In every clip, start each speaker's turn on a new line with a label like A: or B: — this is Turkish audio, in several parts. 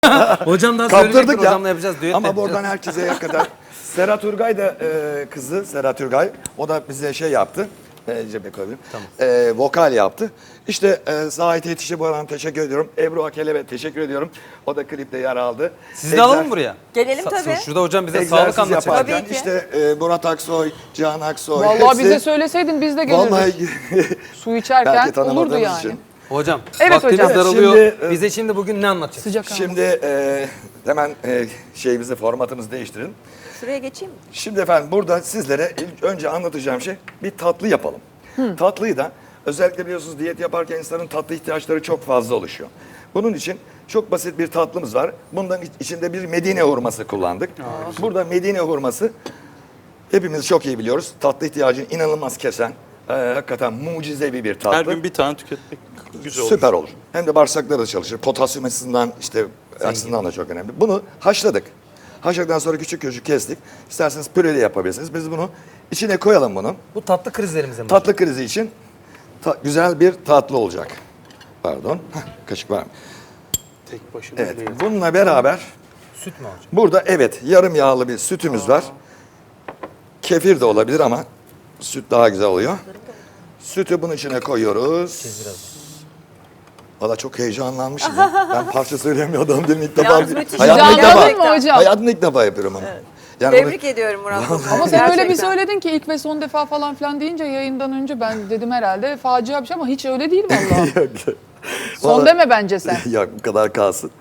A: Hocam daha
B: Kaptırdık
A: söyleyecektir,
B: ya.
A: hocamla yapacağız. Düet
B: Ama
A: yapacağız.
B: buradan herkese kadar. Serhat Ürgay da kızı, Serhat Ürgay. O da bize şey yaptı. Cebe koyabilirim.
A: Tamam.
B: Vokal yaptı. İşte Zahit Yetiş'e bu arada teşekkür ediyorum. Ebru Akelebe teşekkür ediyorum. O da klipte yer aldı.
A: Sizi de alalım buraya.
C: Gelelim tabii.
A: Şurada hocam bize sağlık
B: Egzersiz
A: anlatacak.
B: yaparken
C: Tabii ki.
B: işte Murat Aksoy, Cihan Aksoy.
D: Vallahi
B: hepsi,
D: bize söyleseydin biz de gelirdik.
B: Vallahi
D: Su
B: belki
D: içerken olurdu
B: tanımadığımız
D: yani.
B: için.
A: Hocam
D: Evet
A: vaktimiz
D: hocam.
A: daralıyor.
B: Şimdi,
A: Bize şimdi bugün ne anlatacaksın?
D: Sıcak ama.
B: Şimdi hemen şeyimizi, formatımızı değiştirin.
C: Şuraya geçeyim mi?
B: Şimdi efendim burada sizlere ilk önce anlatacağım şey bir tatlı yapalım. Tatlıyı da özellikle biliyorsunuz diyet yaparken insanın tatlı ihtiyaçları çok fazla oluşuyor. Bunun için çok basit bir tatlımız var. Bundan içinde bir Medine hurması kullandık. Burada Medine hurması hepimiz çok iyi biliyoruz. Tatlı ihtiyacını inanılmaz kesen, hakikaten mucizevi bir tatlı.
E: Her gün bir tane tüketmek güzel olur.
B: Süper olur. Hem de bağırsakları da çalışır. Potasyum açısından işte açısından da çok önemli. Bunu haşladık. Haşladıktan sonra küçük küçük kestik. İsterseniz püre de yapabilirsiniz. Biz bunu içine koyalım bunu.
A: Bu tatlı krizlerimize mi?
B: Tatlı krizi için güzel bir tatlı olacak. Pardon. Kaşık var mı?
E: Tek başına
B: Evet.
E: değil.
B: Bununla beraber
A: Süt mü hocam?
B: burada evet yarım yağlı bir sütümüz var. Kefir de olabilir ama süt daha güzel oluyor. Sütü bunun içine koyuyoruz. Valla çok heyecanlanmışım ya. Ben parça söyleyemiyordum dedim ilk defa.
C: Yalnız müthiş.
B: Hayatımda ilk
D: Heyecanlandın
B: defa,
D: mı hocam?
B: hayatımda ilk defa yapıyorum onu. Yani
C: Tebrik ediyorum Murat.
D: Ama sen öyle bir
C: Gerçekten.
D: söyledin ki ilk ve son defa falan filan deyince yayından önce ben dedim herhalde facia bir şey ama hiç öyle değil vallahi.
B: Yok.
D: Son
B: Vallahi-
D: deme bence sen.
B: Yok bu kadar kalsın.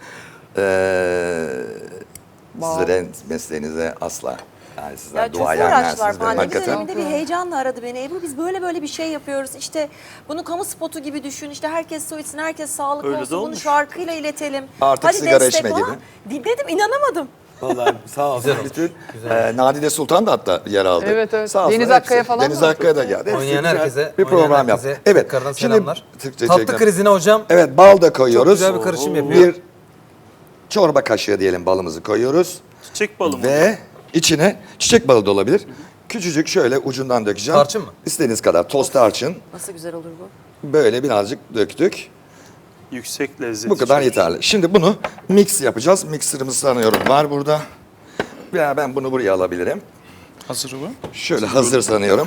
D: Wow.
B: Sizlerin mesleğinize asla. Yani sizler
C: Ya çok
B: duayenlersiniz
C: uğraştılar
B: benim
C: falan.
B: hakikaten.
C: Döneminde bir heyecanla aradı beni. Ebru biz böyle bir şey yapıyoruz. İşte bunu kamu spotu gibi düşün. İşte herkes su içsin, herkes sağlıklı
E: Öyle de
C: olsun. Bunu
E: olmuş.
C: şarkıyla iletelim.
B: Artık sigara
C: destek
B: içme
C: falan. Dinledim, inanamadım.
B: Vallahi sağ olsun.
A: Güzel oldu.
B: Bütün Nadide Sultan da hatta yer aldı.
D: Evet, evet.
B: Sağ olsun,
D: Deniz
B: hepsi.
D: Akkaya falan
B: Deniz
D: da.
B: Akkaya da geldi. Hepsi
A: Oynayan
B: güzel
A: herkese,
B: bir program
A: oynayan
B: yaptı.
A: herkese
B: Evet.
A: tekrardan
B: Şimdi
A: selamlar.
B: Türkçe
A: Tatlı
B: çekelim.
A: krizine hocam
B: Evet bal da koyuyoruz.
A: güzel bir karışım yapıyor.
B: Bir çorba kaşığı diyelim balımızı koyuyoruz.
E: Çiçek balı mı?
B: Ve içine çiçek balı da olabilir. Küçücük şöyle ucundan dökeceğim.
A: Tarçın mı?
B: İstediğiniz kadar toz tarçın.
C: Nasıl güzel olur bu?
B: Böyle birazcık döktük.
E: Yüksek lezzet.
B: Bu kadar yeterli. Şimdi bunu mix yapacağız. Mixer'ımız sanıyorum var burada. Ya ben bunu buraya alabilirim.
E: Hazır mı?
B: Şöyle hazır sanıyorum.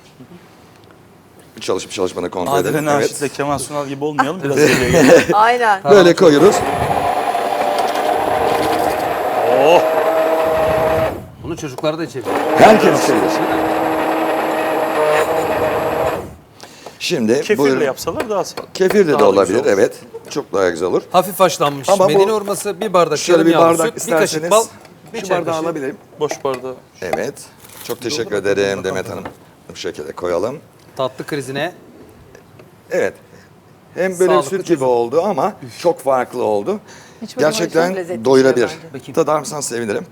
B: Bir çalışıp çalışmanı kontrol
E: Adile
B: edelim.
E: Naşit'le Kemal Sunal gibi olmayalım. Biraz geriye gelelim.
C: Aynen.
B: Böyle koyuyoruz.
E: Oh!
A: bunu çocuklar da içebilir.
B: Herkes içebilir. Şimdi
E: Kefirle
B: buyurun.
E: yapsalar daha sağlıklı.
B: Kefir de
E: Daha da
B: olabilir.
E: güzel olur.
B: Evet. Çok daha güzel olur.
A: Hafif haşlanmış
B: Ama bu-
A: Medine hurması, bir bardak
B: Şöyle
A: yarım
B: bir
A: yağlı
B: bardak
A: süt, bir kaşık
B: isterseniz
A: bal, bir
B: şu
A: çay
B: bardağı
A: kaşığı.
B: alabilirim.
E: Boş bardağı.
B: Evet. Çok teşekkür ederim Demet Hanım. Bu şekilde koyalım.
A: Tatlı krizine
B: Evet. Hem böyle
A: Sağlıklı
B: süt gibi
A: çözüm.
B: oldu ama çok farklı oldu.
D: Hiç böyle
C: çok
B: Gerçekten
C: lezzetli
B: doyurabilir.
C: çıkıyor
A: bence.
B: Tadar mısın sevinirim.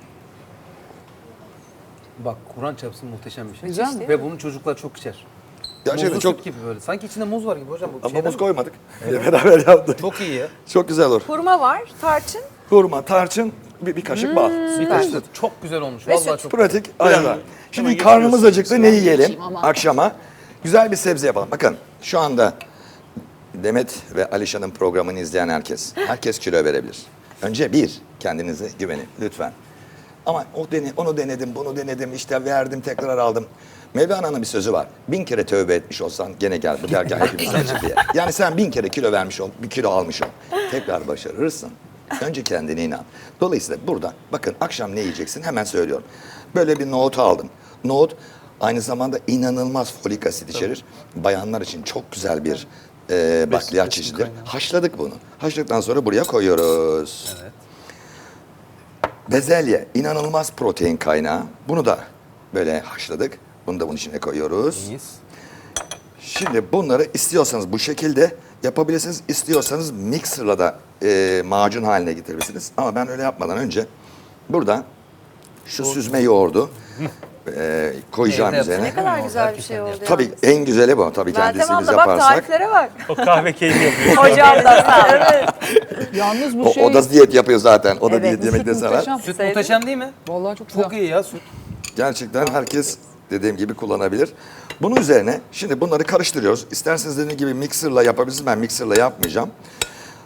A: bak Kur'an çarpsın muhteşem bir şey.
D: Güzel mi?
A: Ve bunu çocuklar çok içer.
B: Gerçekten
A: Muzlu
B: çok
A: süt gibi böyle. Sanki içinde muz var gibi hocam. Bu
B: ama
A: şeyden
B: muz
A: mi?
B: koymadık. Beraber yaptık.
A: Çok iyi ya.
B: Çok güzel olur.
C: Hurma var, tarçın.
B: Hurma, tarçın, bir kaşık bal.
A: Bir kaşık süt. Çok güzel olmuş.
C: Ve
A: Vallahi
C: süt.
A: çok.
B: Pratik ayarlar. Şimdi
E: hemen
B: karnımız
E: getiriyorsunuz
B: acıktı. Ne yiyelim
D: Geçeyim ama.
B: akşama? Güzel bir sebze yapalım. Bakın şu anda Demet ve Alişan'ın programını izleyen herkes kilo verebilir. Önce kendinize güvenin lütfen. Ama onu denedim, bunu denedim, işte verdim, tekrar aldım. Mevlana'nın bir sözü var. 1000 kere tövbe etmiş olsan gene gel bu dergah hepimizden çık diye. Yani sen 1000 kere kilo vermiş ol, bir kilo almış ol. Tekrar başarırsın. Önce kendine inan. Dolayısıyla burada bakın akşam ne yiyeceksin hemen söylüyorum. Böyle bir nohut aldım. Nohut aynı zamanda inanılmaz folik asit içerir. Bayanlar için çok güzel bir bakliyat çeşididir. Haşladık bunu. Haşladıktan sonra buraya koyuyoruz.
A: Evet.
B: Bezelye inanılmaz protein kaynağı. Bunu da böyle haşladık. Bunu da bunun içine koyuyoruz.
A: İyiyiz.
B: Şimdi bunları istiyorsanız bu şekilde yapabilirsiniz. İstiyorsanız mixer'la da macun haline getirebilirsiniz. Ama ben öyle yapmadan önce burada şu süzme yoğurdu koyacağım
A: Evde
B: üzerine.
C: Ne kadar güzel bir
A: Hakikaten
C: şey oldu.
B: Tabii
C: yalnız.
B: en güzeli bu. Tabii
C: Meltem
B: kendisi biz
C: abla bak
B: yaparsak.
C: tariflere bak.
E: O kahve keyfi yapıyor.
C: Hocam da sağ ol. Evet.
D: Yalnız bu
B: O,
D: şey
B: o da diyet yapıyor zaten. O da
C: Evet,
B: diyet yemekte sever.
D: muhteşem.
A: Süt
C: Sevdim.
A: muhteşem değil mi?
D: Vallahi çok güzel.
A: Çok iyi ya süt.
B: Gerçekten herkes dediğim gibi kullanabilir. Bunun üzerine şimdi bunları karıştırıyoruz. İsterseniz dediğim gibi mixer'la yapabilirsiniz. Ben mixer'la yapmayacağım.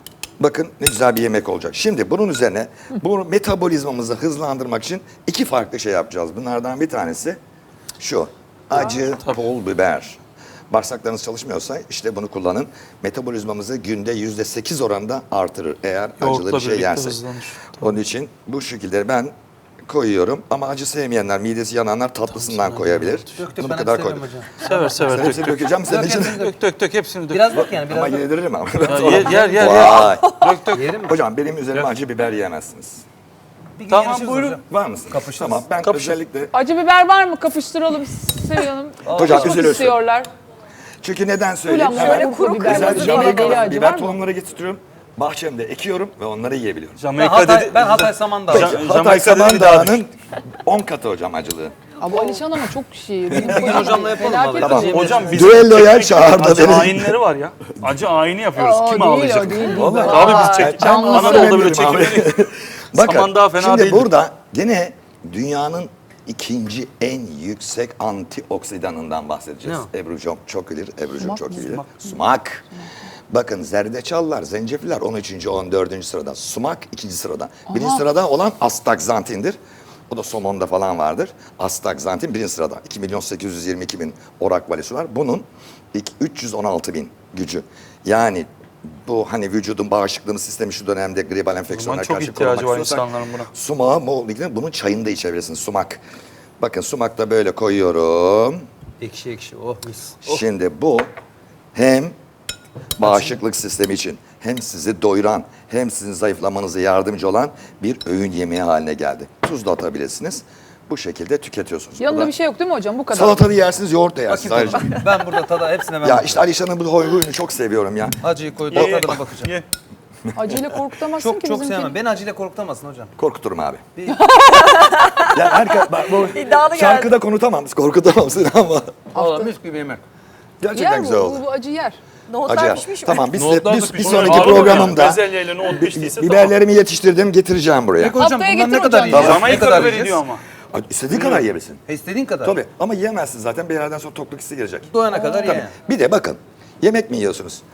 B: Bakın ne güzel bir yemek olacak. Şimdi bunun üzerine bu metabolizmamızı hızlandırmak için 2 farklı şey yapacağız. Bunlardan bir tanesi şu. Acı pul biber. Bağırsaklarınız çalışmıyorsa işte bunu kullanın. Metabolizmamızı günde %8 oranında artırır eğer acılı
E: Yoğurtla
B: bir şey
E: birlikte
B: yersek.
E: hızlanır.
B: Onun için bu şekilde ben koyuyorum ama acı sevmeyenler, midesi yananlar tatlısından koyabilir.
A: Dök
B: Bunu
A: ben
B: bu kadar
A: hepsini
B: koydum.
A: sevmem hocam.
E: Sever
B: Sen hepsini dökeceğim senin
A: Dök
B: için.
A: hepsini dök.
E: Dök hepsini dök.
A: Biraz dök yani biraz
B: Ama
A: dök.
B: yediririm ama.
E: Yer.
B: Vay.
A: Yerim mi?
B: Hocam benim üzerime acı biber yiyemezsiniz.
A: Bir gün
E: Tamam,
A: yarışırız
E: buyurun.
A: hocam.
B: Var mısınız?
A: Kapışırız.
B: Tamam ben
E: Kapışın.
B: özellikle
D: Acı biber var mı? Kapıştıralım Sevil Hanım.
B: hocam
D: Kapışmak
B: üzülürsün.
D: istiyorlar.
B: Çünkü neden söyleyeyim?
D: Ulan
B: Hemen
D: şöyle kuru biber,
B: güzel
D: deli
B: Jamaika
D: deli acı var
B: biber
D: mı?
B: tohumları getiriyorum. Bahçemde ekiyorum ve onları yiyebiliyorum.
E: Jamaika dedi.
A: Ben Hatay Samandağ.
B: Peki,
A: hocam.
B: Hatay
E: Jamaika dedi, bir daha
B: Samandağ'ın 10 katı hocam acılığı.
D: Abi Alişan ama çok şey.
A: gün hocamla yapalım
D: Felaket
A: vallahi.
D: bir
B: Tamam.
D: şey.
E: Hocam bizim
B: Düelloya çağırdı
E: acı
B: beni.
E: ayinleri var ya. Acı ayini yapıyoruz.
D: Aa,
E: Kim
D: değil,
E: ağlayacak?
D: o değil.
B: Vallahi.
E: Abi biz
D: Vay,
E: çek.
D: canlısı.
E: Anadolu'da böyle
B: Benim abi.
E: çekimleri.
B: Bakın
E: Samandağ fena
B: şimdi
E: değildir.
B: burada gene dünyanın ikinci en yüksek antioksidanından bahsedeceğiz.
A: Ne
B: Ebru çok bilir, Ebru'cum
D: Sumak
B: çok
D: mı?
B: iyi bilir. Sumak. Bakın zerdeçallar, zencefiller 13. 14. sırada. Sumak 2. sırada. 1. sırada olan astaxantindir. O da somonda falan vardır. Astaxantin 1. sırada. 2.822.000 orak valisi var. Bunun 316.000 gücü. Yani bu hani vücudun bağışıklığımız sistemi şu dönemde gribal enfeksiyonlara
E: çok
B: karşı
E: ihtiyacı
B: korumak
E: var
B: istiyorsak
E: insanların buna.
B: sumağı bol miktarda bunun çayını da içebilirsiniz. Sumak. Bakın sumakta böyle koyuyorum.
A: Ekşi ekşi. Oh mis.
B: Şimdi bu hem bağışıklık sistemi için hem sizi doyuran hem sizin zayıflamanıza yardımcı olan bir öğün yemeği haline geldi. Tuz da atabilirsiniz. Bu şekilde tüketiyorsunuz.
D: Yanında
B: Burada
D: bir şey yok değil mi hocam? Bu kadar.
B: salatalı yersiniz, yoğurt da yersiniz.
A: Bakayım
B: Ayrıca.
A: tadına. Ben burada tada hepsine ben
B: Ya işte Alişan'ın bu huyunu çok seviyorum ya.
A: acıyı koydum
E: Ye,
A: tadına bakacağım.
E: ye.
D: Acıyla korkutamazsın
A: Çok
D: ki
A: çok
D: bizimkini.
A: sevmem. Beni acıyla korkutamazsın hocam.
B: Korkuturum abi.
A: Bir-
B: Yani herkes, bak bu
C: İddialı
B: şarkıda konutamam, korkutamam seni ama
A: Vallahi mis gibi yemek.
B: gerçekten
D: Yer
B: güzel
D: bu,
B: oldu.
D: bu acı yer.
C: Nohutlar
B: Acayip.
C: pişmiş mi?
B: Tamam
A: Nohutlar da
B: bir
A: pişmiş.
B: sonraki
E: Ağır mı
B: programımda
E: yani? Bezelye ile nohut piştiyse tamam.
B: biberlerimi yetiştirdim, getireceğim buraya.
A: Peki hocam
D: Haftaya
A: bunlar ne
D: getir
A: kadar
D: hocam.
A: yiyeceğiz? Ne
E: Jamaika
A: kadar
E: biberi
A: yiyeceğiz?
E: diyor ama.
B: İstediğin kadar yiyebilirsin.
A: İstediğin kadar.
B: Tabii ama yiyemezsin zaten bir yerden sonra tokluk hissi gelecek.
A: Doyana kadar
B: Tabii.
A: ye.
B: Bir de bakın yemek mi yiyorsunuz?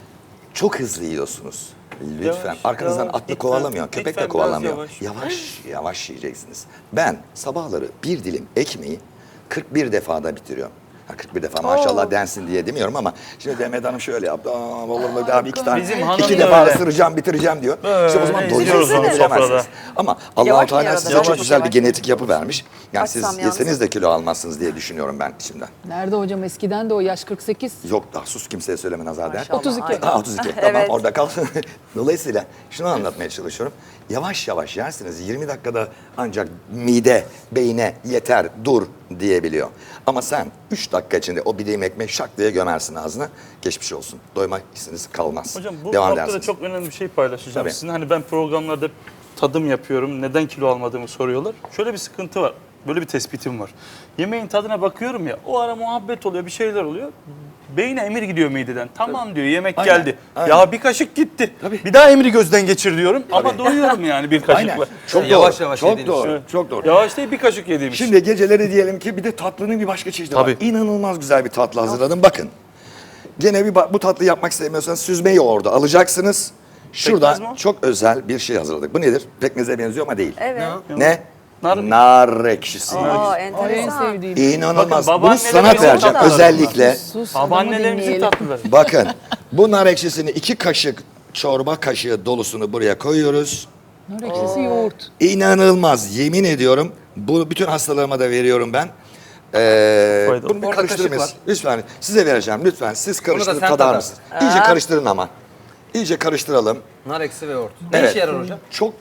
B: Çok hızlı yiyorsunuz. Lütfen.
E: Yavaş,
B: Arkanızdan
E: yavaş.
B: atlı
E: Lütfen,
B: kovalamıyor. Köpek de
E: lütfen biraz
B: kovalamıyor.
E: yavaş.
B: Yavaş yiyeceksiniz. Ben sabahları bir dilim ekmeği 41 defada bitiriyorum. Ha, 41 defa maşallah densin diye demiyorum ama şimdi Demet Hanım şöyle yaptı. Aa, olur mu abi iki tane,
E: Bizim hanım
B: iki
E: da
B: defa
E: öyle.
B: ısıracağım bitireceğim diyor. İşte o zaman
E: Böyle
B: doyuyorsunuz
E: izliyoruz onu
B: bilemezsiniz.
E: sofrada.
B: Ama Allah-u
C: Yavaş
B: Teala
C: yavaş,
B: size
C: yavaş
B: çok
C: yavaş.
B: güzel bir genetik yapı vermiş. Yani siz
C: Açsam
B: yeseniz
C: yalnız.
B: de kilo almazsınız diye düşünüyorum ben içimden.
D: Nerede hocam? Eskiden de o yaş 48.
B: Yok daha sus kimseye söyleme nazar der.
C: Maşallah,
D: 32.
C: aynen.
B: Ha 32. Tamam
C: Evet.
B: orada kal. Dolayısıyla şunu anlatmaya çalışıyorum. Yavaş yavaş yersiniz. 20 dakikada ancak mide, beyne yeter, dur diyebiliyor. Ama sen 3 dakika içinde o bir dilim ekmek şak diye gömersin ağzına. Geçmiş olsun. Doyma hissiniz kalmaz.
E: Hocam bu
B: Devam
E: noktada
B: edersiniz.
E: çok önemli bir şey paylaşacağım.
B: Tabii.
E: Sizin hani ben programlarda tadım yapıyorum. Neden kilo almadığımı soruyorlar. Şöyle bir sıkıntı var. Böyle bir tespitim var. Yemeğin tadına bakıyorum ya. O ara muhabbet oluyor, bir şeyler oluyor. Beyine emir gidiyor mideden. Tamam diyor, yemek
B: Aynen,
E: geldi.
B: aynen.
E: Ya bir kaşık gitti.
B: Tabii.
E: Bir daha emri gözden geçir diyorum. Ama doyuyorum yani bir kaşıkla.
B: Aynen. Çok doğru.
A: Yavaş yavaş
B: Çok
A: yediğiniz
B: doğru.
E: Evet.
B: Çok doğru.
E: Yavaş değil bir kaşık yediğim için.
B: Şimdi geceleri diyelim ki bir de tatlının bir başka çeşidi var.
E: Tabii.
B: İnanılmaz güzel bir tatlı hazırladım. Bakın. Gene bu tatlı yapmak istemiyorsanız süzme yoğurdu alacaksınız. Şurada
E: Pekmez mi o?
B: çok özel bir şey hazırladık. Bu nedir? Pekmeze benziyor ama değil.
C: Evet.
B: Ne?
E: Nar-
B: Nar ekşisi.
C: Aa,
D: Ay en
C: enteresan.
D: sevdiğim.
B: İnanılmaz.
E: Bakın,
B: Bunu
E: babaannelerimizin
B: sana vereceğim
C: tatlıları.
B: özellikle.
D: Sus, adamı
E: Babaannelerimizin
D: dinleyelim.
E: tatlıları.
B: Bakın bu nar ekşisini 2 kaşık çorba kaşığı dolusunu buraya koyuyoruz.
D: Nar ekşisi yoğurt.
B: İnanılmaz yemin ediyorum. Bu bütün hastalarıma da veriyorum ben.
E: Faydalı.
B: Bunu bir
A: Orada
B: karıştırmayız.
A: kaşık
B: Lütfen size vereceğim lütfen. Siz karıştırın
A: sen
B: tadar
A: tadar.
B: mısınız? İyice karıştırın ama. İyice karıştıralım.
A: Nar eksi ve yoğurt. Ne
B: Evet.
A: işe yarar hocam?
B: Çok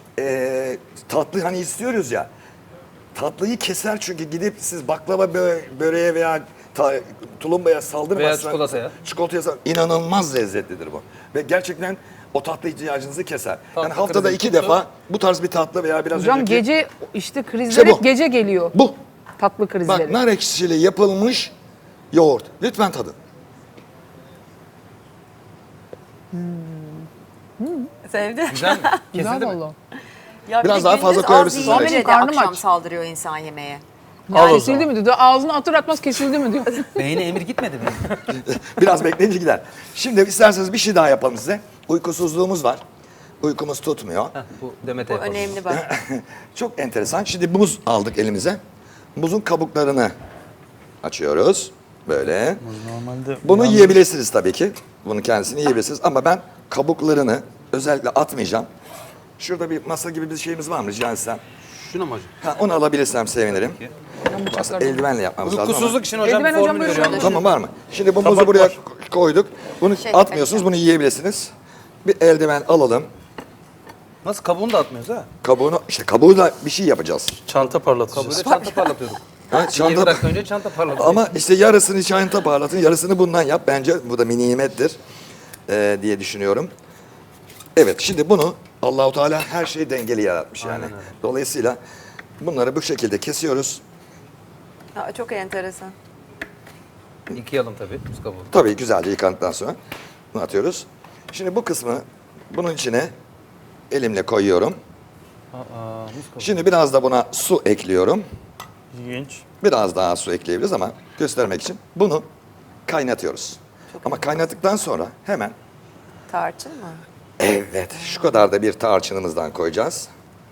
B: tatlı hani istiyoruz ya. Tatlıyı keser çünkü gidip siz baklava böreğe veya tulumbaya saldırmazsanız.
A: Veya çikolataya.
B: Çikolataya inanılmaz lezzetlidir bu. Ve gerçekten o tatlı ihtiyacınızı keser.
A: Tatlı
B: Yani haftada
A: krizi
B: 2
A: tuttu.
B: defa bu tarz bir tatlı veya biraz
D: Hocam
B: önceki...
D: gece işte krizler
B: İşte bu.
D: hep gece geliyor.
B: Bu.
D: Tatlı krizleri.
B: Bak nar ekşisiyle yapılmış yoğurt. Lütfen tadın.
C: Sevdi.
A: Güzel mi?
D: Güzel
A: Kesildi mi?
D: valla.
C: Ya
B: Biraz
C: bir de
B: daha fazla
C: gündüz
B: koyabilirsiniz
C: az
B: Alex.
C: yiyince de
D: Karnım
C: akşam
D: aç.
C: saldırıyor insan yemeğe.
E: Al o
D: Kesildi
E: zaman.
D: mi diyor. Ağzını atır atmaz kesildi mi diyor.
A: Beyine emir gitmedi mi?
B: Biraz bekleyince gider. Şimdi isterseniz bir şey daha yapalım size. Uykusuzluğumuz var. Uykumuz tutmuyor.
A: Heh, bu Demet'e
C: Bu
A: yapalım.
C: önemli bak.
B: Çok enteresan. Şimdi muz aldık elimize. Muzun kabuklarını açıyoruz. Böyle.
E: Normalde
B: Bunu yiyebilirsiniz tabii ki. Bunun kendisini yiyebilirsiniz. Ama ben kabuklarını özellikle atmayacağım. Şurada bir masa gibi bir şeyimiz var mı rica etsem?
A: Şuna mı hocam?
B: Ha, onu alabilirsem sevinirim.
D: Ben
B: Aslında
D: bıçaklarla-
B: eldivenle yapmamız lazım ama.
A: Uykusuzluk için hocam
D: Eldiven
A: bir
D: hocam
A: formül
D: böyle
A: veriyorum.
D: şöyle.
B: Tamam var mı? Şimdi bu
E: Tabak
B: muzu buraya
E: var.
B: koyduk. Bunu atmıyorsunuz, bunu yiyebilirsiniz. Bir eldiven alalım.
A: Nasıl kabuğunu da atmıyoruz ha?
B: Kabuğuyla bir şey yapacağız.
E: çanta parlatacağız.
A: Kabuğuyla çanta parlatıyorduk.
B: Ha,
A: 20
B: çanta,
A: dakika önce çanta parlatıyorduk.
B: ama işte yarısını çanta parlatın, yarısını bundan yap. Bence bu da bir nimettir diye düşünüyorum. Evet, şimdi bunu Allahu Teala her şeyi dengeli yaratmış yani.
A: Aynen öyle.
B: Dolayısıyla bunları bu şekilde kesiyoruz.
C: Aa, çok enteresan.
A: Yıkayalım tabii buz kabuğunu.
B: Tabii güzelce yıkandıktan sonra bunu atıyoruz. Şimdi bu kısmı bunun içine elimle koyuyorum.
A: Buz kabuğu.
B: Şimdi biraz da buna su ekliyorum.
E: İlginç.
B: Biraz daha su ekleyebiliriz ama göstermek için bunu kaynatıyoruz. Ama kaynattıktan sonra hemen
C: Tarçın mı?
B: evet şu kadar da bir tarçınımızdan koyacağız.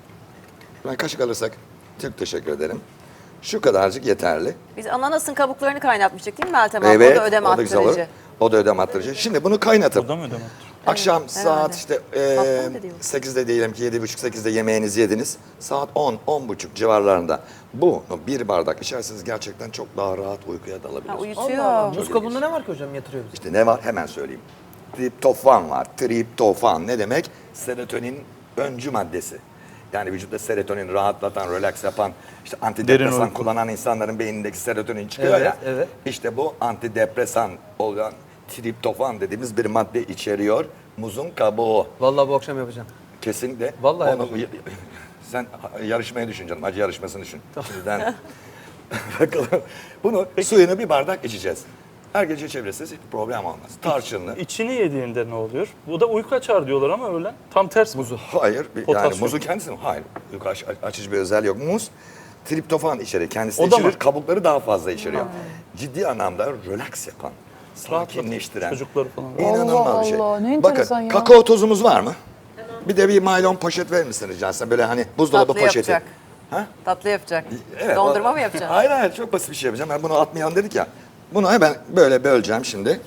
B: Ben kaşık alırsak çok teşekkür ederim. Şu kadarcık yeterli.
C: Biz ananasın kabuklarını kaynatmıştık değil mi Meltem abla?
B: Evet,
C: O da ödem
B: o da güzel olur.
C: attırıcı.
B: O da ödem attırıcı. Şimdi bunu kaynatıp
E: O da mı ödeme?
B: akşam
C: Evet,
B: saat
C: herhalde.
B: işte
C: Patron da diyor.
B: 8'de diyelim ki 7.30-8'de yemeğinizi yediniz. Saat 10-10.30 civarlarında bunu bir bardak içerseniz gerçekten çok daha rahat uykuya
C: Ha,
B: dalabilirsiniz.
C: uyutuyor.
A: Buz kabuğunda ne var ki hocam yatırıyoruz?
B: İşte ne var hemen söyleyeyim. Triptofan var. Triptofan ne demek? Serotonin öncü maddesi. Yani vücutta serotonin rahatlatan, relax yapan, işte
E: Derin
B: antidepresan
E: uyku.
B: kullanan insanların beynindeki serotonin çıkıyor
A: Evet,
B: ya.
A: evet.
B: İşte bu antidepresan olan triptofan dediğimiz bir madde içeriyor. Muzun kabuğu.
A: Vallahi bu akşam yapacağım.
B: Kesinlikle.
A: Vallahi
B: Onu-
A: yapacağım.
B: sen yarışmayı düşün canım. Acı yarışmasını düşün. Şimdiden. Bakalım. Bunu suyunu bir bardak içeceğiz. Her gece içebilirsiniz. Hiç problem olmaz. Tarçınlı.
E: İçini yediğinde ne oluyor? Bu da uyku açar diyorlar ama öyle. Tam ters mi?
A: Muzu.
B: Hayır. Yani
E: Potasyum.
B: muzun kendisi mi? Hayır. Yok, açıcı bir özelliği yok. Muz triptofan içerir. Kendisi
E: O da
B: içerir.
E: mı?
B: Kabukları daha fazla içeriyor. Ciddi anlamda relax yapan, sakinleştiren.
E: Çocukları falan.
B: İnanılmaz bir şey.
D: Allah, ne
B: Bakın
D: enteresan ya.
B: kakao tozumuz var mı? Bir de bir naylon poşet verir misiniz Cansel? Böyle hani buzdolabı
C: Tatlı
B: poşeti.
C: yapacak.
B: Ha?
C: Tatlı yapacak.
B: Evet,
C: Dondurma
B: o-
C: mı yapacaksın?
B: Hayır hayır çok basit bir şey yapacağım. Ben bunu atmayalım dedik ya. Bunu hemen böyle böleceğim şimdi.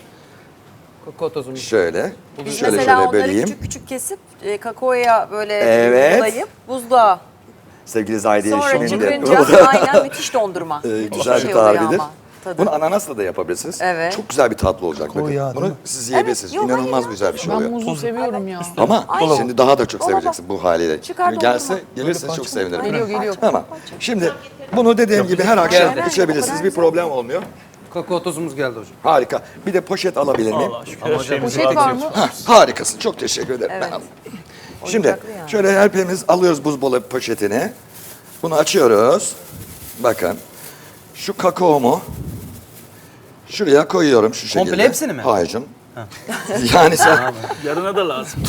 A: Kakao tozumu.
B: Şöyle.
C: Biz
B: şöyle
C: mesela
B: şöyle
C: onları
B: böleyim.
C: küçük küçük kesip kakaoya böyle
B: Evet.
C: bulayıp buzluğa.
B: Sevgili Zahide
C: Sonra
B: şimdi.
C: çıkınca aynen müthiş dondurma.
B: Güzel bir
C: oluyor
B: tarifidir.
C: ama tadı.
B: Bunu ananasla da yapabilirsiniz.
C: Evet.
B: Çok güzel bir tatlı olacak. Bakın.
A: yağı, değil
B: Bunu
A: mi?
B: siz yiyebilirsiniz.
C: yok,
B: İnanılmaz
C: hayır ya.
B: güzel bir şey
D: Ben
B: oluyor.
D: muzu seviyorum ya.
B: Ama
C: Aynen.
B: şimdi daha da çok
C: Dolaba.
B: seveceksin bu haliyle.
C: Çıkar
B: Şimdi gelse,
C: dondurma.
B: gelirse çok sevinirim.
D: Geliyor geliyor.
B: Tamam. Şimdi bunu dediğim gibi her akşam
A: Geldi.
B: içebilirsiniz. Bir problem olmuyor.
A: Kakao tozumuz geldi hocam.
B: Harika. Bir de poşet alabilir miyim?
E: Allah şükür
A: Ama
E: her
A: hocam,
E: şeyimiz
D: Poşet var mı?
B: Hah, harikasın. Çok teşekkür ederim.
C: Evet.
B: Ben alayım. Şimdi
C: Oyuncaklı yani.
B: şöyle hepimiz alıyoruz buzdolabı poşetini. Bunu açıyoruz. Bakın. Şu kakaomu şuraya koyuyorum şu şekilde.
A: Komple hepsini mi?
B: Hayır canım. Yani sen
E: Yarına da lazım.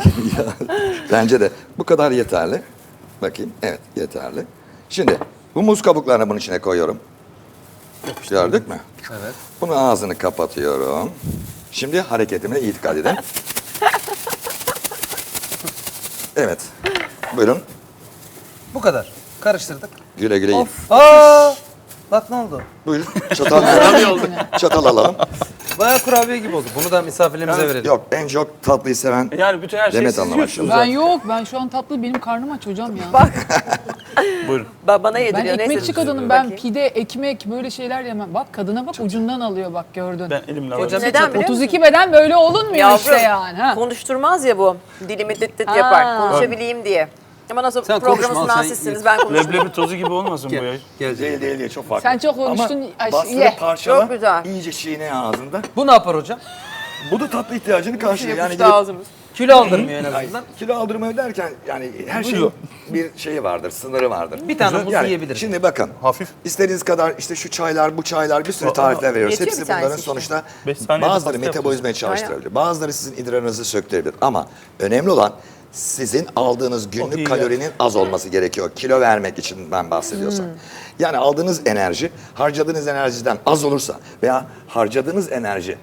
B: bence de bu kadar yeterli. Bakayım. Evet yeterli. Şimdi bu muz kabuklarını bunun içine koyuyorum. Gördük mü?
A: Evet.
B: Bunun ağzını kapatıyorum. Şimdi hareketime iyi dikkat edin. Evet. Buyurun.
A: Bu kadar. Karıştırdık.
B: Güle güle yiyin.
A: Aa! Bak ne oldu?
B: Buyurun. Çatal, çatal alalım.
A: Bayağı kurabiye gibi oldu. Bunu da misafirlerimize verelim.
B: Yok en çok tatlıyı seven
E: Yani bütün her şeyi
B: Demet
E: siz
B: Hanım
E: yiyorsunuz.
D: Ben yok. Ben şu an tatlı benim karnım aç hocam ya.
E: Buyurun.
C: Bana
D: Ben
C: yediriyor.
D: ekmekçi
C: neyse.
D: kadınım. Ben
C: Bakayım.
D: pide, ekmek böyle şeyler yemem. Bak kadına bak ucundan alıyor bak gördün.
E: Ben elimle
A: Hocam
E: alayım.
C: Neden biliyor musun?
D: 32 beden böyle olunmuyor
C: Yavrum,
D: işte yani. Ha.
C: konuşturmaz ya bu. Dilimi dit dit
D: Ha.
C: yapar. Konuşabileyim diye. Ama nasıl
A: Sen
C: programın
A: konuşma, sen
C: sizsiniz ben konuşmam.
E: Leblebi tozu gibi olmasın bu ya.
A: Gel.
B: değil değil çok farklı.
D: Sen çok konuştun,
B: Ama
D: ay,
B: bastırıp
D: ye.
B: parçala,
C: Çok güzel.
B: iyice çiğne ağzında.
A: Bu ne yapar hocam?
B: Bu da tatlı ihtiyacını karşılıyor. Yani
C: Yapıştı
B: gidip-
C: ağzımız.
A: Kilo aldırmıyor en
B: Ay,
A: azından.
B: kilo aldırmayı derken yani her şeyin bir şeyi vardır, sınırı vardır.
A: Bir tane muz
B: Yani
A: yiyebiliriz.
B: Şimdi bakın.
E: Hafif.
B: İstediğiniz kadar işte şu çaylar, bu çaylar bir sürü tarifler veriyoruz.
C: Yetiyor
B: Hepsi
C: bir tanesi
B: bunların
C: işte.
B: sonuçta
E: 5 saniyede
B: bazıları
E: pasta
B: metabolizmayı çalıştırabilir. Bazıları sizin idrarınızı söktürebilir. Ama önemli olan sizin aldığınız
E: Oh,
B: günlük
E: iyi
B: kalorinin az olması gerekiyor. Kilo vermek için ben bahsediyorsam. Yani aldığınız enerji harcadığınız enerjiden az olursa veya harcadığınız enerji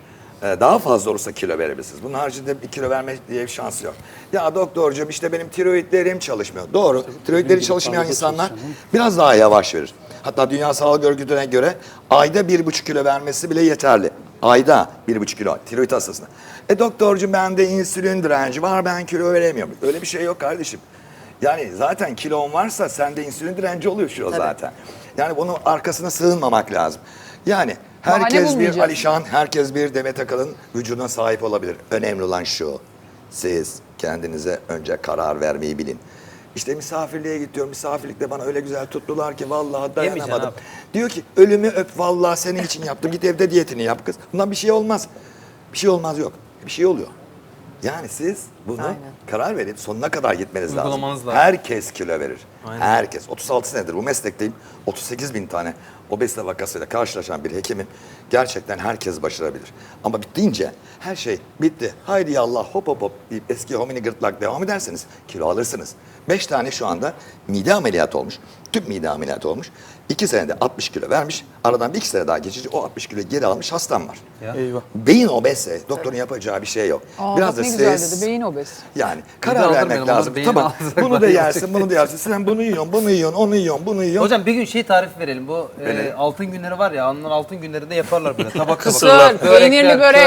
B: Daha fazla olursa kilo verebilirsiniz. Bunun haricinde bir kilo verme diye bir şansı yok. Ya doktorcuğum işte benim tiroidlerim çalışmıyor. Doğru. Tiroidleri çalışmayan insanlar biraz daha yavaş verir. Hatta Dünya Sağlık Örgütü'ne göre ayda 1,5 kilo vermesi bile yeterli. Ayda 1,5 kilo tiroid hastasına. Doktorcuğum bende insülin direnci var, ben kilo veremiyorum. Öyle bir şey yok kardeşim. Yani zaten kilon varsa sende insülin direnci oluyor şu zaten. Yani bunun arkasına sığınmamak lazım. Yani
D: Bahane
B: herkes bir
D: bulmayacağız.
B: Alişan, herkes bir Demet Akalın vücuduna sahip olabilir. Önemli olan şu, siz kendinize önce karar vermeyi bilin. İşte misafirliğe gidiyorum, misafirlikte bana öyle güzel tuttular ki vallahi dayanamadım.
A: Yemeyeceksin
B: Diyor ki ölümü öp vallahi senin için yaptım, git evde diyetini yap kız. Bundan bir şey olmaz. Bir şey olmaz yok, bir şey oluyor. Yani siz bunu
C: Aynen.
B: karar verip sonuna kadar gitmeniz lazım.
A: Uygulamanız lazım.
B: Herkes kilo verir.
A: Aynen.
B: Herkes. 36 senedir bu meslekteyim. 38 bin tane obezite vakasıyla karşılaşan bir hekimim. Gerçekten herkes başarabilir. Ama bittiğince her şey bitti. Haydi yallah hop hop hop deyip eski homini gırtlak devam ederseniz kilo alırsınız. 5 tane şu anda mide ameliyatı olmuş. Tüp mide ameliyatı olmuş. 2 senede 60 kilo vermiş. Aradan bir 2 sene daha geçince o 60 kilo geri almış hastam var.
A: Ya.
E: Eyvah.
B: Beyin obezse doktorun yapacağı bir şey yok.
D: Bak ne güzel dedi. Beyin obez.
B: Yani
A: Bir de
B: karar
A: aldırmayalım,
B: vermek
A: onu
B: lazım.
A: da beyin
B: Tamam.
A: aldırsak
B: Bunu
A: var
B: da
A: ya,
B: yersin,
A: gerçekten.
B: bunu da yersin. Sen bunu yiyorsun, bunu yiyorsun, onu yiyorsun, bunu yiyorsun.
A: Hocam bir gün şey tarifi verelim. Bu
B: Verelim.
A: altın günleri var ya, onların altın günlerinde yaparlar böyle tabak tabak.
D: Kısır, peynirli börek,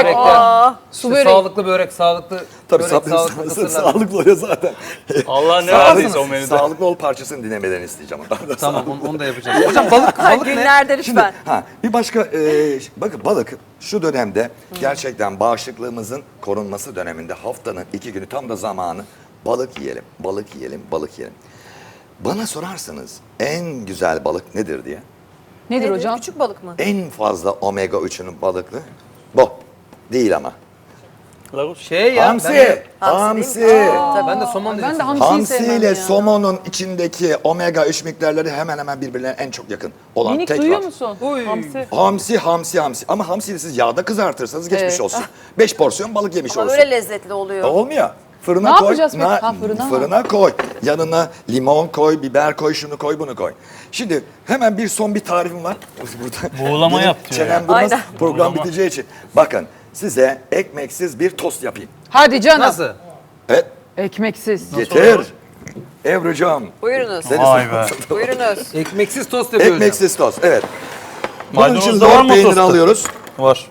D: su
A: İşte
D: börek.
A: sağlıklı börek, sağlıklı
B: Tabii
A: börek, sağlıklı kısırlar.
B: sağlıklı oluyor zaten.
E: Allah ne
B: Sağlıklı-
E: verdiyse o menüde.
B: Sağlıklı ol parçasını dinlemelerini isteyeceğim.
A: Tamam onu da yapacağız. Hocam balık ne?
C: Günlerde
B: Şimdi
C: lütfen.
B: bir başka bakın balık şu dönemde gerçekten bağışıklığımızın korunması döneminde haftanın 2 günü tam da zamanı balık yiyelim, balık yiyelim, balık yiyelim. Bana sorarsanız en güzel balık nedir diye.
D: Nedir hocam?
C: Küçük balık mı?
B: En fazla omega 3'ünün balıklı bu. Değil ama.
E: Lagos.
A: Şey ya.
B: Hamsi.
C: Hamsi
B: Hamsi.
C: değil mi?
A: Ben de somon
D: Ben de
A: dedim.
D: hamsiyi sevmem
B: Hamsi ile
D: ya.
B: somonun içindeki omega 3 miktarları hemen hemen birbirlerine en çok yakın olan
D: Minik
B: tek
D: duyuyor
B: var.
D: musun?
A: Uy.
D: Hamsi.
B: Hamsi. Ama hamsiyi siz yağda kızartırsanız geçmiş
D: Evet.
B: olsun. 5 porsiyon balık yemiş
C: Ama
B: olursun.
C: böyle lezzetli oluyor.
B: Olmuyor. Fırına
D: Ne
B: koy.
D: yapacağız peki? Ha, fırına.
B: Fırına koy. Yanına limon koy, biber koy, şunu koy, bunu koy. Şimdi hemen bir tarifim var. Burada
E: Buğulama
B: benim
E: yap diyor
B: çenem
E: ya.
B: durmaz.
C: Aynen.
B: Program
E: Buğulama.
B: biteceği için. Bakın size ekmeksiz bir tost yapayım.
D: Hadi canım.
A: Nasıl?
B: Evet.
D: Ekmeksiz.
B: Getir. Ebru'cum.
C: Buyurunuz.
B: Seni
E: Vay be.
C: Buyurunuz.
A: Ekmeksiz tost yapıyor hocam.
B: Ekmeksiz tost. Evet. Bunun
E: Maydanoz
B: için
E: da var
B: lor
E: mı
B: peyniri
E: tosta?
B: alıyoruz.
E: Var.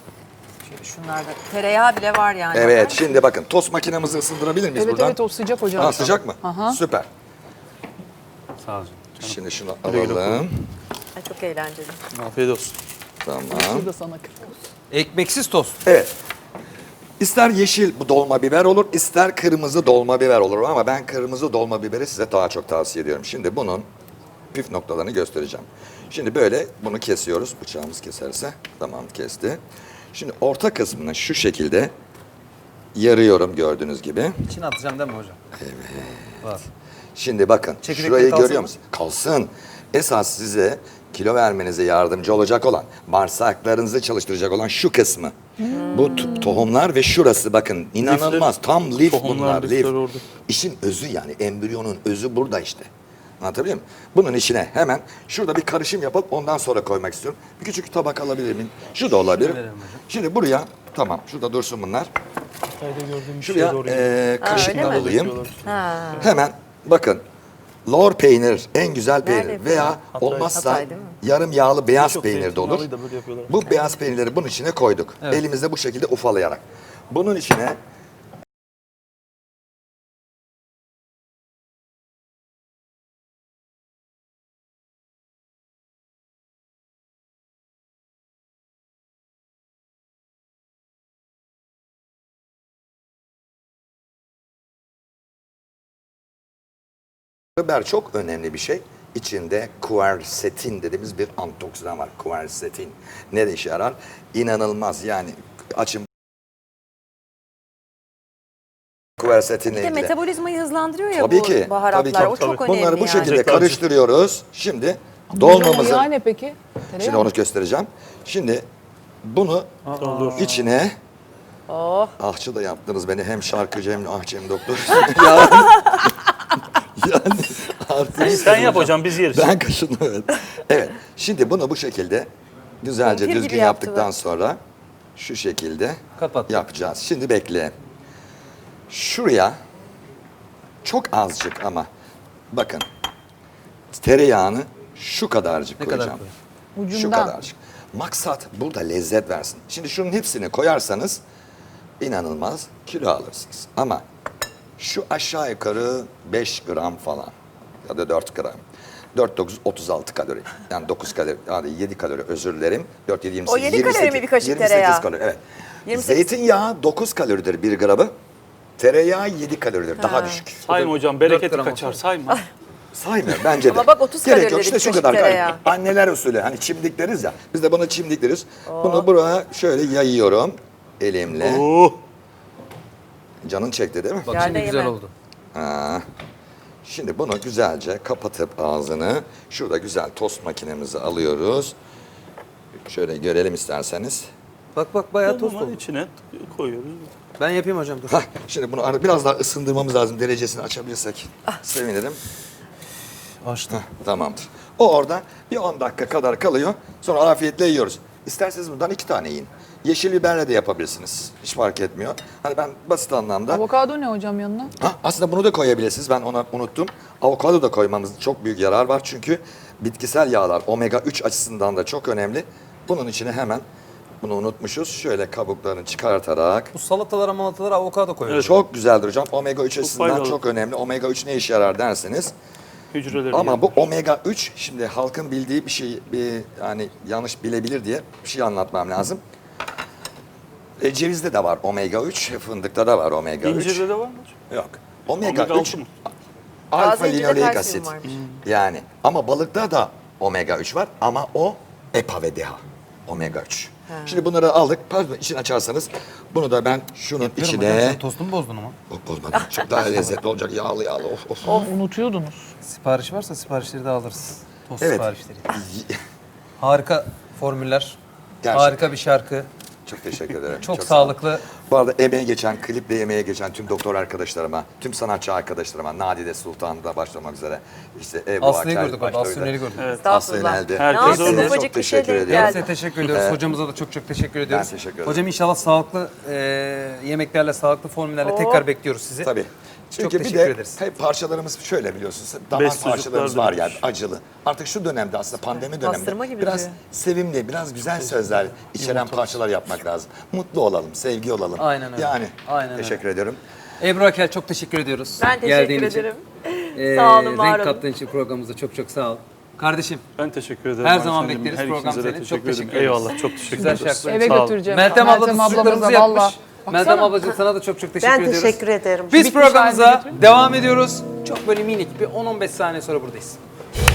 C: Şunlarda tereyağı bile var yani.
B: Evet. Şimdi bakın tost makinemizi ısındırabilir miyiz
D: Evet
B: buradan?
D: evet o sıcak hocam.
B: Ha, sıcak mı?
D: Aha.
B: Süper.
E: Sağ olun.
B: Şimdi şunu
E: Güle güle
B: alalım.
C: Ay, çok eğlenceli.
E: Afiyet olsun.
B: Tamam.
D: Şurada sana kırk.
A: Ekmeksiz tost.
B: Evet. İster yeşil bu dolma biber olur, ister kırmızı dolma biber olur ama ben kırmızı dolma biberi size daha çok tavsiye ediyorum. Şimdi bunun püf noktalarını göstereceğim. Şimdi böyle bunu kesiyoruz. Bıçağımız keserse. Tamam kesti. Şimdi orta kısmını şu şekilde yarıyorum gördüğünüz gibi.
A: İçine atacağım değil mi hocam? Var.
B: Şimdi bakın
A: Çekirdekleri
B: şurayı
A: kalsın
B: görüyor
A: mı?
B: musun? Kalsın. Esas size kilo vermenize yardımcı olacak olan, bağırsaklarınızı çalıştıracak olan şu kısmı. Bu tohumlar ve şurası bakın inanılmaz.
E: Lifleri,
B: Tam lif
E: tohumlar,
B: bunlar. Lif.
E: lifleri orada.
B: İşin özü yani embriyonun özü burada işte. Anlatabiliyor muyum? Bunun içine hemen şurada bir karışım yapıp ondan sonra koymak istiyorum. Bir küçük tabak alabilir miyim? Şu da olabilir.
A: verelim hocam.
B: Şimdi buraya tamam şurada dursun bunlar.
E: Hatay'da gördüğüm
B: Şuraya
E: doğru.
B: kaşıkla
C: öyle mi?
B: alayım.
C: Ha.
B: Hemen bakın lor peynir en güzel peynir
C: Nerede
B: veya
E: Hatay.
B: olmazsa
C: Hatay değil mi?
B: yarım yağlı beyaz
E: Çok
B: peynir de olur.
E: zeytinyağlıyı da böyle yapıyorlar.
B: Bu beyaz peynirleri bunun içine koyduk.
A: Evet.
B: Elimizde bu şekilde ufalayarak. Bunun içine biber çok önemli bir şey. İçinde quercetin dediğimiz bir antioksidan var. Quercetin. Ne de işe yarar? İnanılmaz yani açın quercetinle
C: Bir de
B: ilgili.
C: metabolizmayı hızlandırıyor ya
B: Tabii
C: bu
B: ki.
C: baharatlar.
B: Tabii ki.
C: O çok önemli
B: Bunları bu
C: yani.
B: şekilde
E: Tekrar
B: karıştırıyoruz. Şimdi
D: Hocam
B: dolmamızı
D: yağı ne peki? Tereyağı
B: şimdi
D: mı?
B: onu göstereceğim. Şimdi bunu içine
C: Oh.
B: ahçı da yaptınız beni hem şarkıcı hem ahçı hem doktor. yani, yani artık
E: Sen yap hocam biz yeriz.
B: ben kaşındım evet. Evet. Şimdi bunu bu şekilde güzelce
C: Kumpir gibi
B: düzgün
C: yaptı
B: yaptıktan
C: bu.
B: sonra şu şekilde
A: Kapat.
B: yapacağız. Şimdi bekle. Şuraya çok azıcık ama bakın tereyağını şu kadarcık
A: Ne kadar
B: koyacağım.
A: koyayım?
B: Şu
D: Ucundan.
B: kadarcık. Maksat burada lezzet versin. Şimdi şunun hepsini koyarsanız inanılmaz kilo alırsınız. Ama şu aşağı yukarı 5 gram falan ya da 4 gram. 4, 9, 36 kalori. Yani 9 kalori, yani 7 kalori özür dilerim. 4, 7, 28,
C: O 7 kalori mi
B: 28,
C: bir kaşık
B: 28
C: tereyağı?
B: kalori, evet.
C: 28.
B: Zeytinyağı 9 kaloridir 1 gramı. Tereyağı 7 kaloridir, daha düşük.
E: Sayma hocam bereketi
A: gram
E: kaçar
A: olsun.
E: sayma.
B: Saymıyorum bence de.
C: Ama bak 30
B: Gerek
C: kalori
B: yok
C: dedi
B: işte
C: bir
B: şu
C: kaşık
B: kadar kalori.
C: tereyağı.
B: Anneler usulü hani çimdik deriz ya. Biz de buna çimdik deriz. Bunu buraya şöyle yayıyorum elimle.
E: Oh.
B: Canın çekti değil mi?
A: Bak
C: Yerde
A: şimdi güzel
C: yeme.
A: oldu.
B: Ha. Şimdi bunu güzelce kapatıp ağzını şurada güzel tost makinemizi alıyoruz. Şöyle görelim isterseniz.
A: Bak bayağı tost oldu.
E: içine koyuyoruz.
A: Ben yapayım hocam dur.
B: Hah, şimdi bunu biraz daha ısındırmamız lazım. Derecesini açabilirsek sevinirim.
A: Açtım.
B: Tamamdır. O orada bir 10 dakika kadar kalıyor. Sonra afiyetle yiyoruz. İsterseniz bundan 2 tane yiyin. Yeşil biberle de yapabilirsiniz. Hiç fark etmiyor. Hani ben basit anlamda...
D: Avokado ne hocam yanına?
B: Ha, aslında bunu da koyabilirsiniz. Ben onu unuttum. Avokado da koymamız çok büyük yarar var. Çünkü bitkisel yağlar omega 3 açısından da çok önemli. Bunun içine hemen bunu unutmuşuz. Şöyle kabuklarını çıkartarak.
A: Bu salatalara avokado koyuyoruz.
B: Çok güzeldir hocam. Omega 3 açısından
E: faydalı.
B: çok önemli. Omega 3 ne işe yarar derseniz.
E: Hücreleri
B: Ama bu omega 3 şimdi halkın bildiği bir şey, yani yanlış bilebilir diye bir şey anlatmam lazım. Cevizde de var omega 3, fındıkta da var omega 3.
E: İncirde de var mı hocam?
B: Yok. Omega,
E: Omega
B: 3
E: 6 mı?
B: alfa
C: Taze incirde
B: linoleik
C: kalsiyum
B: asit.
C: varmış.
B: Yani ama balıkta da omega 3 var ama o EPA ve DHA. Omega 3. Şimdi bunları aldık. Pardon içini açarsanız bunu da ben şunun
A: Hocam
B: içine...
A: sen tostumu bozdun ama.
B: Bozmadım. Çok daha lezzetli olacak. Yağlı yağlı. Of.
D: Unutuyordunuz.
A: Sipariş varsa siparişleri de alırız. Tost
B: Evet.
A: siparişleri. Harika formüller.
B: Gerçekten.
A: Harika bir şarkı.
B: Çok teşekkür ederim.
A: Çok
B: sağ olun.
A: sağlıklı.
B: Bu arada emeğe geçen, kliple emeğe geçen tüm doktor arkadaşlarıma, tüm sanatçı arkadaşlarıma, Nadide Sultan'da başlamak üzere, işte Ebru
A: Aslı'yı
B: Akel,
A: gördük
B: başta
A: orada.
B: öyle.
A: Aslı Ünlü'yü gördük.
E: Evet.
B: Aslı
C: Estağfurullah.
B: Ünel'di.
C: Ne
E: Herkes
C: yaptın
E: orada.
C: ufacık
B: Çok
C: bir şey
B: teşekkür
C: denk
B: ediyorum.
A: Size
C: geldi.
A: teşekkür ediyoruz. Hocamıza da çok teşekkür ediyoruz.
B: teşekkür ederim.
A: Hocam inşallah sağlıklı yemeklerle, sağlıklı formüllerle tekrar bekliyoruz sizi.
B: Tabii.
A: Çok
B: Çünkü bir
A: teşekkür
B: de
A: ederiz.
B: hep parçalarımız şöyle biliyorsunuz. Damar
E: Best
B: parçalarımız
E: çocuklar
B: var yani
E: demiş.
B: acılı. Artık şu dönemde aslında pandemi döneminde
C: Pastırma gibi
B: biraz
C: duruyor.
B: sevimli, biraz güzel sözler içeren parçalar yapmak lazım. Mutlu olalım, sevgi olalım.
A: Aynen öyle.
B: Yani
A: Aynen öyle.
B: teşekkür ediyorum.
A: Ebru Akel çok teşekkür ediyoruz.
C: Ben teşekkür
A: Geldiğin için.
C: ederim. Sağ olun, var
A: Renk
C: olun.
A: kattığın için programımıza çok sağ ol. Kardeşim
E: Ben teşekkür ederim.
A: Her
E: Ayşe
A: zaman
E: Hanım.
A: bekleriz.
E: Her
A: Program
E: ikinize de
A: senin. Çok
E: ederim.
A: teşekkür ederiz.
E: Eyvallah çok teşekkür
A: Güzel
E: ederiz.
A: şarkılar.
D: Eve
E: Sağ olun.
D: götüreceğim.
A: Meltem abla da sucuklarımızı
D: ablamıza
A: yapmış.
D: valla.
A: Meltem ablacığım sana da çok teşekkür
F: Ben
A: ediyoruz.
F: teşekkür ederim.
A: Biz
D: Bitmiş
A: programımıza
D: halde götürün.
A: devam ediyoruz. Çok böyle minik bir 10-15 saniye sonra buradayız.